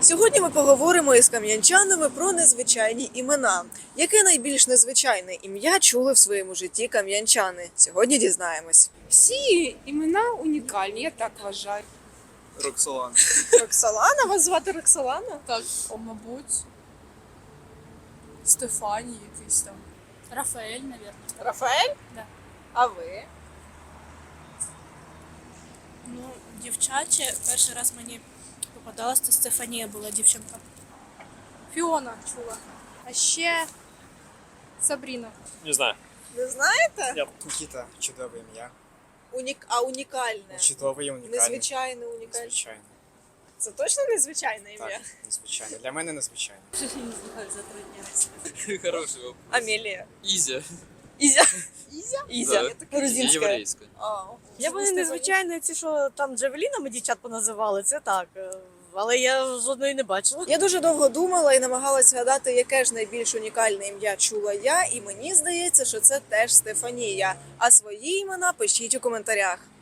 Сьогодні ми поговоримо із кам'янчанами про незвичайні імена. Яке найбільш незвичайне ім'я чули в своєму житті кам'янчани? Сьогодні дізнаємось. Всі імена унікальні, я так вважаю. Роксолана. Роксолана? Вас звати Роксолана? Так, мабуть, Стефані якийсь там. Рафаэль, наверное. Рафаель? Да. А ви? Ну, дівчаче, перший раз мені попадалась, то Стефанія була дівчинка. Фіона чула. А ще Сабріна. Не знаю. Не знаєте? Я Нікіта, чудове ім'я. Унікальне. Чудове і унікальне. Незвичайне, унікальне. Незвичайне. Це точно незвичайне ім'я? Так, незвичайне. Для мене незвичайне. Хороший вопрос. Амелія. Изя. Ізя. Ізя? Да. Грузинська. Еврейская. Я вони незвичайно ці, що там джавелінами дівчат поназивали, це так. Але я жодної не бачила. Я дуже довго думала і намагалась згадати, яке ж найбільш унікальне ім'я чула я, і мені здається, що це теж Стефанія. А свої імена пишіть у коментарях.